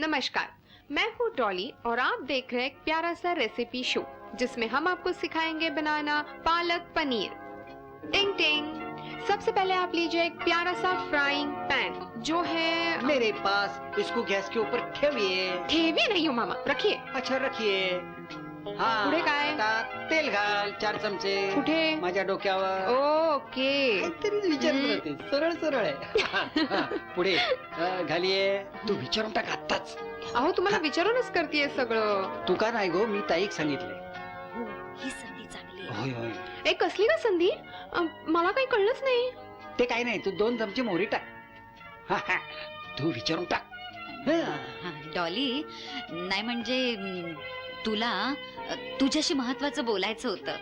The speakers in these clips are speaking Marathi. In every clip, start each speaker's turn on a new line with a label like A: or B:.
A: नमस्कार, मैं हूँ डॉली और आप देख रहे हैं एक प्यारा सा रेसिपी शो जिसमें हम आपको सिखाएंगे बनाना पालक पनीर। टिंग टिंग। सबसे पहले आप लीजिए एक प्यारा सा फ्राइंग पैन जो है
B: मेरे पास। इसको गैस के ऊपर ठेविए।
A: ठेवी नहीं हो मामा, रखिए।
B: अच्छा रखिए। हाँ,
A: पुढे काय?
B: आता तेल घाल 4 चमचे
A: कुठे?
B: माझ्या डोक्यावर।
A: ओके।
B: काहीतरी विचारत राहते, सरळ सरळ आहे. हा, पुढे घालिये. तू विचारून टाक आत्ताच.
A: अहो तुम्हाला विचारूनच करतेय सगळं.
B: तू का नाही गो, मी ताईक सांगितलंय.
C: हो, ही संधी चांगली आहे.
B: होय होय.
A: ए कसली का संधी? मला काही कळलंच नाही.
B: ते काही नाही, तू 2 चमचे मोहरी टाक. हा, हा. तू विचारून टाक. हा.
C: हा, डॉली, नाही म्हणजे तुला तुझ्याशी महत्वाचं बोलायचं होतं.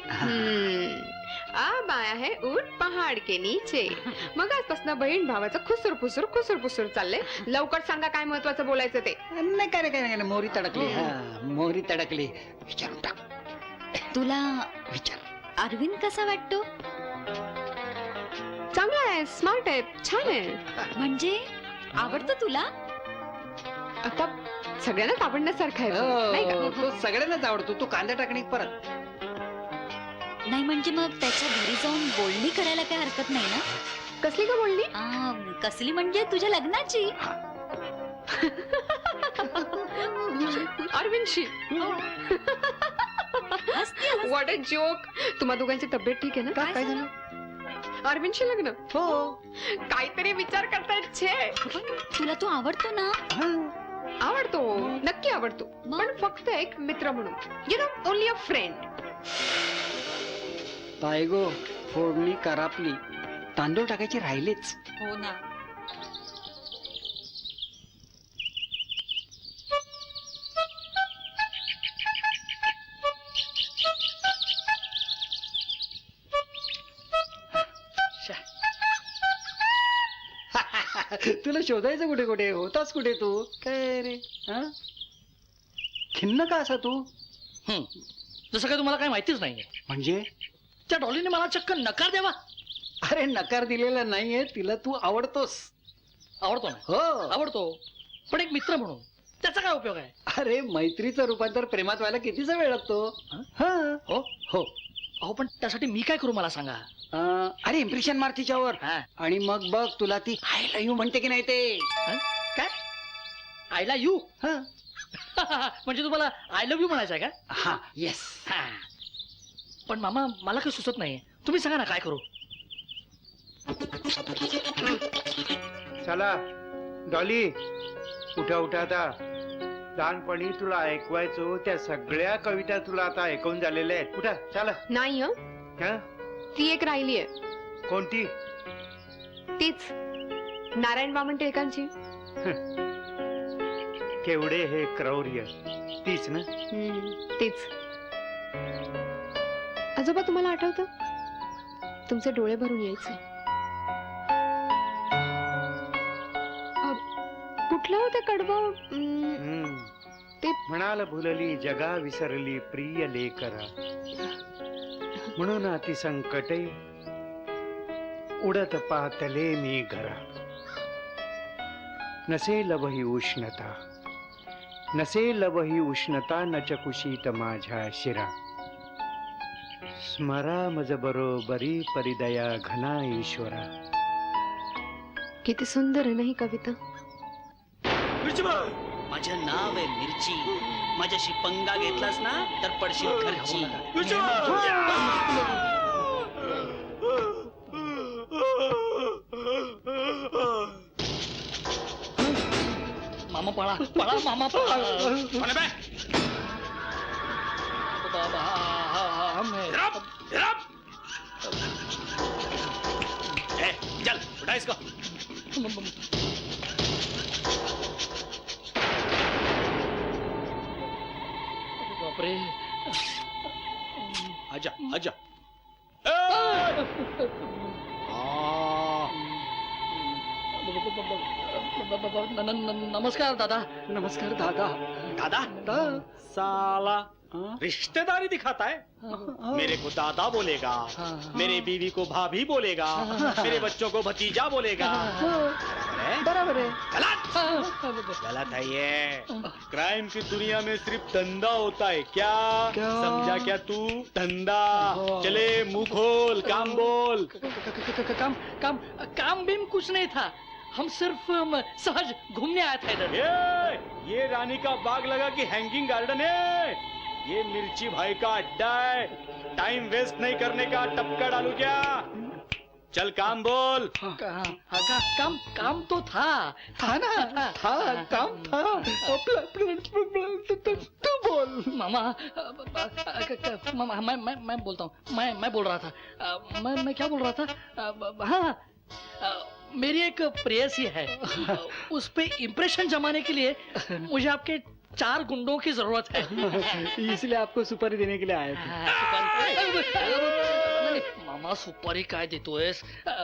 A: अब आया है ऊट पहाड के नीचे. मग आजपासून बहीण भावाचं खुसूर पुसूर चाललंय. लवकर सांगा काय महत्वाचं बोलायचं ते.
B: नाही काय नाही, मोहरी तडकली. हा, मोहरी तडकली. विचारून टाक.
C: तुला
B: विचार.
C: अरविंद कसा वाटतो?
A: चांगला आहे, स्मार्ट आहे, छान आहे.
C: म्हणजे आवडतो तुला?
A: आता सगळ्यांनाच आवडण्यासारखा आहे तो, नाही
B: हो,
A: का?
B: तो सगळ्यांनाच आवडतो. तू कांदा टाकणे परत.
C: नाही म्हणजे मग त्याच्या घरी जाऊन बोलणी करायला काही हरकत नाही ना?
A: कसली का बोलली?
C: कसली म्हणजे तुझ्या लग्नाची.
A: अरविंदशी.
C: हसते, हसते.
A: What a joke. तुम्हा दोघांची तब्येत ठीक आहे ना?
B: काय झालं?
A: अरविंदशी लग्न?
B: हो.
A: काहीतरी विचार करतायत छे.
C: तुला तो आवडतो ना?
A: आवडतो, नक्की आवडतो,
C: मग?
A: पण फक्त एक मित्र म्हणून. You know, only a friend.
B: तायगो, फोडणी करापली. तांदूळ टाकायचे राहिलेच.
C: हो ना.
B: तुला शोधायचं कुठे कुठे, होतास कुठे तू? काय रे? हा? खिन्न का असा तू?
D: जसं काय तुम्हाला काही माहितीच नाहीये.
B: म्हणजे?
D: त्या डॉलीने मला चक्क नकार द्यावा.
B: अरे नकार दिलेला नाहीये, तिला तू आवडतोस.
D: आवडतो ना?
B: हो.
D: आवडतो, पण एक मित्र म्हणून त्याचा काय उपयोग आहे?
B: अरे मैत्रीचं रूपांतर प्रेमात व्हायला कितीचा वेळ लागतो? हा.
D: हो
B: हो.
D: अहो पण त्यासाठी मी काय करू मला सांगा.
B: अरे इम्प्रेशन मार तिच्यावर.
D: हा.
B: आणि मग बघ तुला ती आय लव्ह यू म्हणते की नाही ते.
D: काय? आयला यू?
B: हा.
D: म्हणजे तुम्हाला आय लव्ह यू म्हणायचं आहे का?
B: हा. येस.
D: हा. पण मामा मला काही सुचत नाही. तुम्ही सांगा ना काय करू.
E: चला डॉली, उठा उठा. आता लहानपणी तुला ऐकवायचो त्या सगळ्या कविता तुला आता ऐकून झालेल्या आहेत. उठा चला.
A: नाही हं?
E: हा?
A: ती एक राहिली आहे.
E: कोणती?
A: तीच नारायण वामन टिळकांची.
E: केवढे हे क्रौर्य. तीच ना?
A: तीच. आजोबा तुम्हाला आठवतं? तुमचे डोळे भरून यायचे. कुठलं होतं कडवं? ते
E: म्हणाल भुलली जगा विसरली प्रिय लेकरा, म्हणून अति संकटे उडत पातले मी घरा. नसेल वही उष्णता, नसेल वही उष्णता न चकुशीत माझ्या शिरा. स्मरा मज बरोबरी परिदया घना ईश्वरा.
A: किती सुंदर आहे ना ही कविता.
F: माझं नाव आहे मिरची. माझ्याशी पंगा घेतलास ना तर पडशील खर्ची.
D: मामा पळा पळा मामा पळा.
F: चल उठा इसको.
D: बापरे.
F: आजा आजा.
D: नमस्कार दादा.
B: नमस्कार दादा.
F: दादा
B: दा.
F: साला रिश्तेदारी दिखाता है। मेरे को दादा बोलेगा, मेरी बीवी को भाभी बोलेगा, मेरे बच्चों को भतीजा बोलेगा।
B: बराबर है.
F: गलत है ये। क्राइम की दुनिया में सिर्फ धंधा होता है क्या?
B: क्या?
F: समझा क्या तू? धंधा। चले मुंह खोल, काम बोल।
D: काम काम काम बीम कुछ नहीं था, हम सिर्फ सहज घूमने आए थे इधर।
F: ये रानी का बाग लगा कि हैंगिंग गार्डन है? ये मिर्ची भाई का अड्डा है। टाइम वेस्ट नहीं करने का, टपका डालू क्या? चल काम बोल।
D: काम तो था
B: ना काम था. तू बोल.
D: मामा मामा मैं बोलता हूँ, मैं बोल रहा था, मैं क्या बोल रहा था, हाँ, मेरी एक प्रेयसी है, उस पे इम्प्रेशन जमाने के लिए मुझे आपके 4 गुंडों की जरूरत है।
B: इसलिए आपको सुपारी देने के लिए आए थे.
D: मामा सुपारी काय देतोयस?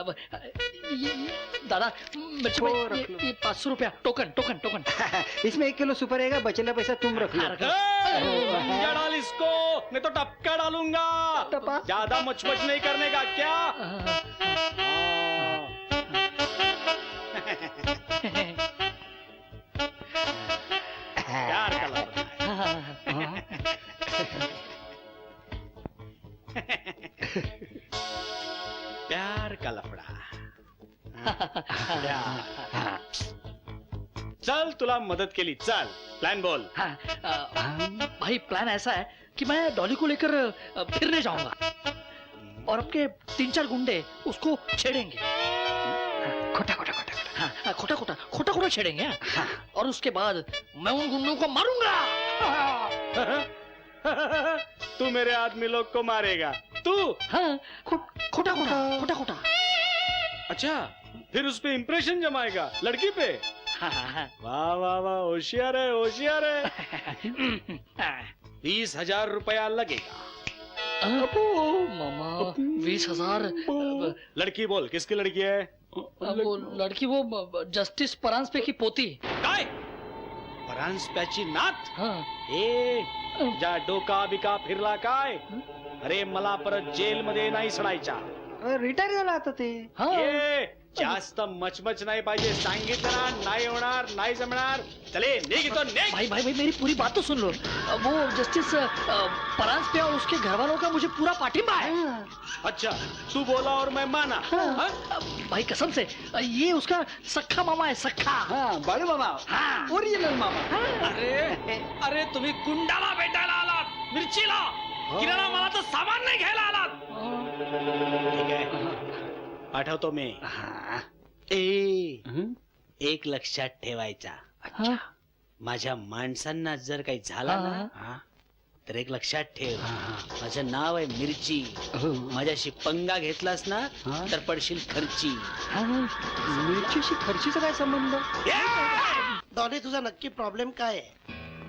D: दादा मिर्ची भाई, ये 500 रुपया टोकन टोकन टोकन.
B: इसमें 1 किलो सुपारी रहेगा, बचेला पैसा तुम रख लो.
F: पंजा डाल इसको, नहीं तो टपका डालूंगा।
B: टपा?
F: ज्यादा मचमच नहीं करने का क्या? प्यार का लफड़ा है। प्यार का लफड़ा। प्यार। चल तुला मदद केली, चल प्लान बोल.
D: भाई प्लान ऐसा है कि मैं डॉली को लेकर फिरने जाऊंगा और आपके 3-4 गुंडे उसको छेड़ेंगे।
B: खोटा खोटा खोटा.
D: हाँ, खोटा छेड़ेंगे, और उसके बाद मैं उन गुंडों को मारूंगा।
F: तू मेरे आदमी लोग को मारेगा? तू?
D: हाँ, खोटा।
F: अच्छा, फिर उस पे इम्प्रेशन जमाएगा लड़की पे? वाह वाह वाह, होशियार है, होशियार है। 20,000 रुपया लगेगा।
D: मामा 20,000?
F: लड़की बोल, किसकी लड़की है?
D: वो लड़की, वो जस्टिस परांजपे की पोती.
F: काय? परांजप्याची नात?
D: हाँ.
F: जा डोका बिका फिरला काय? अरे मला परत जेल मध्ये नाही सडायच्या.
B: रिटायर झाला आता ते.
F: जास्त मचमच नाही पाहिजे, सांगितलं ना, नाही होणार, नाही जमणार. चले निघ इथून, निघ.
D: भाई मेरी पूरी बात तो सुन लो. वो जस्टिस परांजपे और उसके घर वालों का मुझे पूरा पाठिंबा है.
F: अच्छा, तू बोला और मैं माना. हाँ?
D: भाई कसम से, ये उसका सख्खा मामा है, सख्खा.
B: हाँ, बाळू मामा.
D: हाँ.
B: ओरिजिनल मामा.
F: अरे तुम्ही गुंडाला भेटायला आलात, मिरचीला. किराणा मालाचं सामान नाही घ्यायला आलात. ठीक आहे, पाठवतो मी. एक लक्षात ठेवायचा,
D: अच्छा.
F: माझ्या माणसांना जर काही झाला ना, तर एक लक्षात ठेव, माझं नाव आहे मिरची. माझ्याशी पंगा घेतलास ना, तर पडशील खर्ची.
B: मिरचीशी खर्चीचा काय संबंध?
G: डॉली, तुझा नक्की प्रॉब्लेम काय आहे?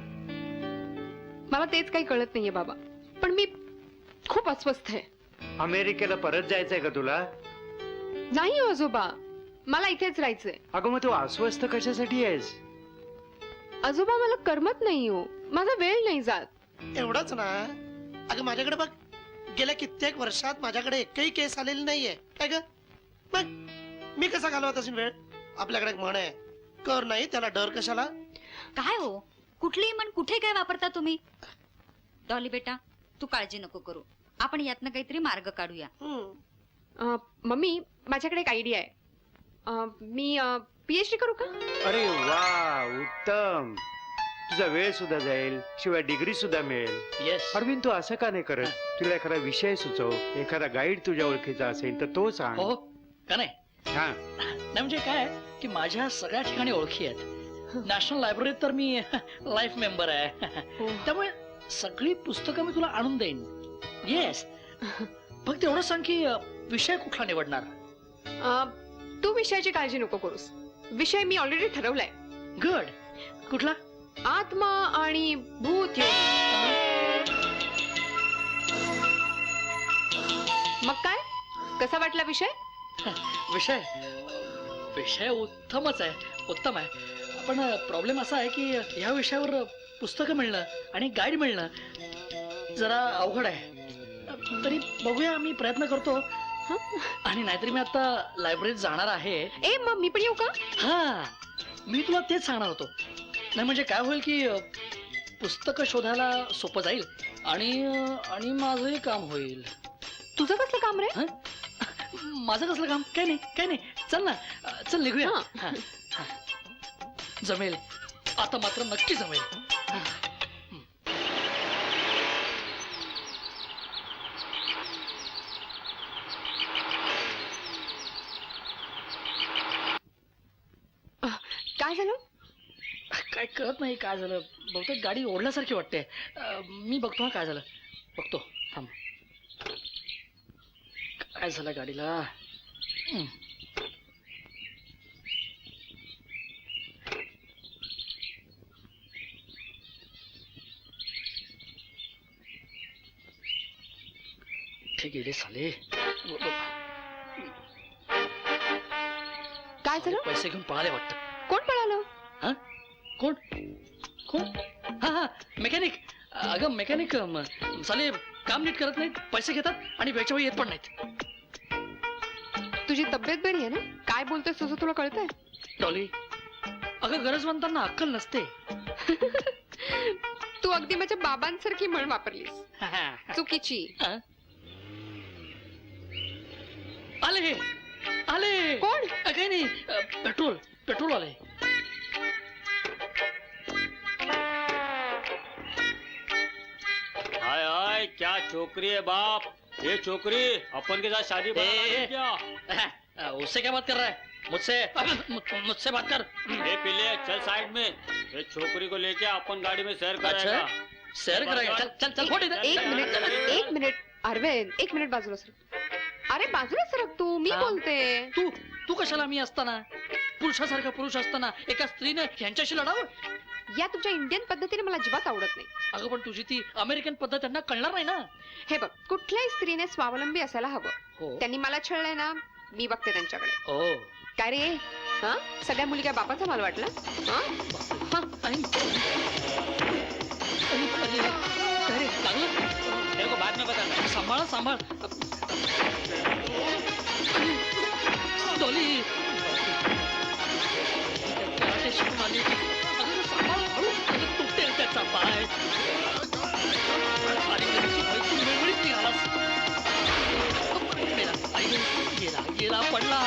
A: मला तेच काही कळत नाहीये बाबा, पण मी खूप अस्वस्थ आहे.
E: अमेरिकेला परत जायचंय का तुला?
A: नाही हो आजोबा, मला इथेच राहायचंय.
E: अगं मग तू अस्वस्थ कशासाठी आहेस?
A: आजोबा मला करमत नाही हो, माझा वेळ नाही जात.
G: एवढंच ना? अगं माझ्याकडे बघ, गेल्या कित्येक वर्षात माझ्याकडे एकही केस आलेली नाहीये. काय ग? मग मी कसा घालवत असेल वेळ? आपल्याकडे एक म्हण आहे, कर नाही त्याला डर कशाला.
C: काय हो, कुठलीही म्हण कुठे काय वापरता तुम्ही? डॉली बेटा, तू काळजी नको करू, आपण यातनं काहीतरी मार्ग काढूया.
A: मम्मी, माझ्याकडे एक आयडिया आहे. मी PhD करू का?
E: अरे वा, उत्तम. तुझा वेळ सुद्धा जाईल, शिवाय डिग्री सुद्धा मिळेल.
D: येस.
E: अरविंद, तू असं का नाही करत? तुला एखादा विषय सुचव, एखादा गाईड तुझ्या ओळखीचा असेल तर तो सांग.
D: हो का नाही?
E: हा.
D: नाही म्हणजे काय की माझ्या सगळ्या ठिकाणी ओळखी आहेत. नॅशनल लायब्ररीत तर मी लाईफ मेंबर आहे, त्यामुळे सगळी पुस्तकं मी तुला आणून देईन. येस. फक्त एवढं सांग की विषय कुठला निवडणार?
A: तू विषयाची काळजी नको करूस, विषय मी ऑलरेडी ठरवलाय.
D: गुड. कुठला?
A: आत्मा आणि भूत योग. मग काय, कसा वाटला विषय?
D: विषय विषय उत्तमच आहे, उत्तम आहे. पण प्रॉब्लेम असा आहे की ह्या विषयावर पुस्तकं मिळणं आणि गाईड मिळणं जरा अवघड आहे. तरी बघूया, मी प्रयत्न करतो. आणि नाहीतरी मी आता लायब्ररीत जाणार आहे.
A: ए मग मी पण येऊ का?
D: हा, मी तुला तेच सांगणार होतो. नाही म्हणजे काय होईल की पुस्तकं शोधायला सोपं जाईल आणि आणि माझंही काम होईल.
A: तुझं कसलं काम रे?
D: हं? माझं कसलं काम? काय नाही, काय नाही. चल ना, चल निघूया.
A: हा.
D: हा, हा. जमेल, आता मात्र नक्की जमेल. हा.
A: काय झालं?
D: काय कळत नाही काय झालं. बहुतेक गाडी ओढल्यासारखी वाटते. मी बघतो हा काय झालं. बघतो, थांब. काय झालं गाडीला? हं. ठीक गेले साले.
A: काय झालं?
D: पैसे घेऊन पळाले वाटतं.
A: कोण पळालं?
D: हा? कोण कोण? हा हा, मेकॅनिक. अगं मेकॅनिक साले काम नीट करत नाहीत, पैसे घेतात आणि वेळच्या वेळी येत पण नाहीत.
A: तुझी तब्येत बरी आहे ना? काय बोलतोय तुझं तुला कळतंय?
D: डॉली, अगं गरजवंतांना अक्कल नसते.
A: तू अगदी माझ्या बाबांसारखी म्हण वापरलीस. चुकीची.
D: हा? आले आले.
A: कोण?
D: काही नाही, पेट्रोल पेट्रोल आले.
F: हाय हाय, क्या छोकरी है बाप. ये छोकरी अपन के साथ शादी
D: ए,
F: क्या?
D: उससे क्या बात कर रहा है? मुझसे बात कर.
F: ये पिले चल साइड में. ये छोकरी को लेके अपन गाड़ी में सैर कराएगा.
D: अच्छा, सैर कराएगा. चल चल चल, फोड़ इधर.
A: एक मिनिट अरविंद, एक मिनिट बाजूला सरक. अरे बाजूला सरक तू, मी
D: हा.
A: बोलते.
D: तू तू कशाला मी असताना, पुरुषासारखा पुरुष असताना एका स्त्रीने ह्यांच्याशी लढावं?
A: या तुमच्या इंडियन पद्धतीने मला अजिबात आवडत नाही.
D: अगं पण तुझी ती अमेरिकन पद्धत त्यांना कळणार नाही ना.
A: हे बघ, कुठल्याही स्त्रीने स्वावलंबी असायला हवं.
D: हो
A: त्यांनी मला छळलंय ना, मी बघते त्यांच्याकडे.
D: हो.
A: काय रे? हा, सगळ्या मुली काय बापाचा माल वाटला? हा? हा.
D: आई. अरे, काय रे, लागलं?
F: तेरे को बाद में बताना.
D: सांभाळ सांभाळ. डॉली, कराटे शिकून आली की अगं सांभाळ, हळू. अगं तुटेल त्याचा पाय. आणि त्याची बायको वेगळीच निघालास. मेला, आई गेला गेला पडला.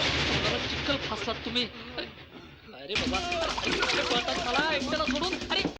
D: चिखल फासलात तुम्ही. अरे बाबा, आई, पळतात मला एकट्याला सोडून. अरे